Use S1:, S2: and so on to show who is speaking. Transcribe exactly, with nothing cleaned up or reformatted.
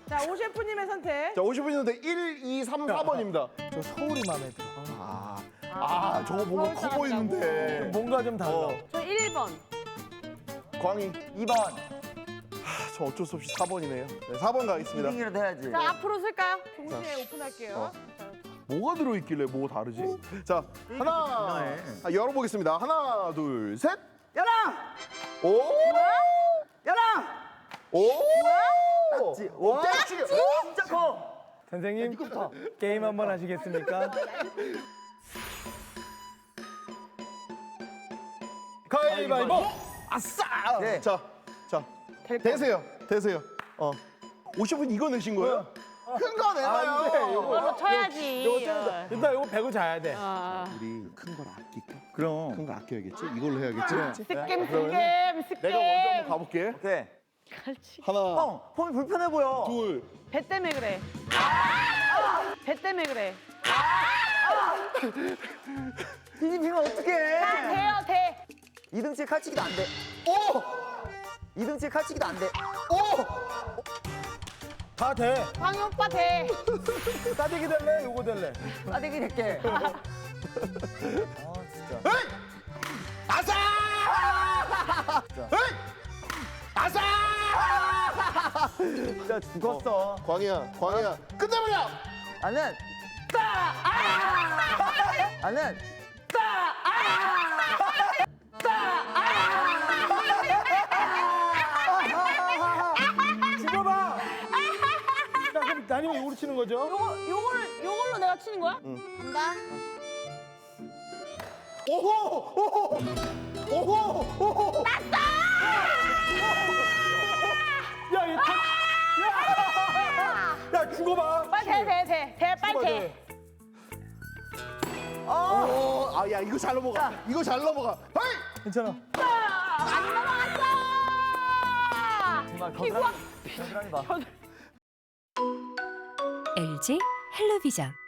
S1: 자, 오 셰프님의 선택.
S2: 자, 오십 분인데 일, 이, 삼, 사 번입니다.
S3: 저 서울이 마음에 들어.
S2: 아, 아, 저거 보고
S1: 서울
S2: 커
S1: 사람이라고.
S2: 보이는데.
S3: 뭔가 좀 달라.
S2: 어,
S1: 저 일 번.
S2: 광희.
S4: 이 번.
S2: 아, 저 어쩔 수 없이 사 번이네요. 네, 사 번 가겠습니다.
S4: 이등이라도 해야지.
S1: 자, 앞으로 쓸까요? 동시에 오픈할게요.
S2: 어.
S1: 자,
S2: 뭐가 들어있길래 뭐 다르지? 자, 하나,
S4: 중요해.
S2: 아, 열어보겠습니다. 하나, 둘, 셋.
S4: 열아!
S2: 오!
S4: 열아!
S2: 오!
S4: 지 와,
S2: 짝지!
S4: 진짜 커.
S3: 선생님, 게임 한번 하시겠습니까? 가위바위보!
S2: 아싸!
S4: 네.
S2: 자, 자, 대세요, 대세요. 어, 오십 분 이거 내신 거예요? 큰 거 내봐요.
S3: 안 돼, 요거.
S1: 이걸로 쳐야지.
S3: 이거 좀 일단 이거 배고 자야 돼.
S1: 아.
S2: 우리 큰 걸 아낄까?
S4: 그럼.
S2: 큰 거 아껴야겠지? 이걸로 해야겠지?
S1: 스캠, 스캠, 스캠.
S2: 내가 먼저 한번 가볼게.
S4: 오케이.
S1: 갈치.
S2: 하나,
S4: 형, 폼이 불편해 보여.
S2: 둘,
S1: 배 때문에 그래. 배 때문에 그래.
S4: 뒤집히면
S1: 다
S4: 어떡해.
S1: 돼요, 돼.
S4: 이등치에 칼치기도 안 돼.
S2: 오!
S4: 이등치에 칼치기도 안 돼.
S2: 오!
S3: 다 돼.
S1: 광희 오빠 돼.
S3: 따대기 될래? 요거 될래?
S4: 따대기 될게. 아, 진짜.
S2: 에이! 아싸! 에이! 아싸!
S4: 진짜 죽었어.
S2: 광희야, 광희야, 끝내버려!
S4: 나는 따! 아! 나는 따! 아!
S3: 죽어봐! 자, 그럼 아니면 이거로 치는 거죠?
S1: 요거, 요거를, 요걸로 내가 치는 거야? 응. 간다.
S2: 오호! 오호! 오호! 오호!
S3: 야, 얘 다... 야! 야, 죽어봐!
S1: 빨리 돼, 돼, 돼. 돼, 빨리
S3: 죽어봐,
S1: 돼.
S3: 돼.
S2: 오, 아, 야, 이거 잘 넘어가. 이거 잘 넘어가. 헤이!
S3: 괜찮아.
S1: 안 넘어갔어!
S4: 정말
S1: 피부와
S4: 겨드랑이 봐.
S5: 엘지 헬로비전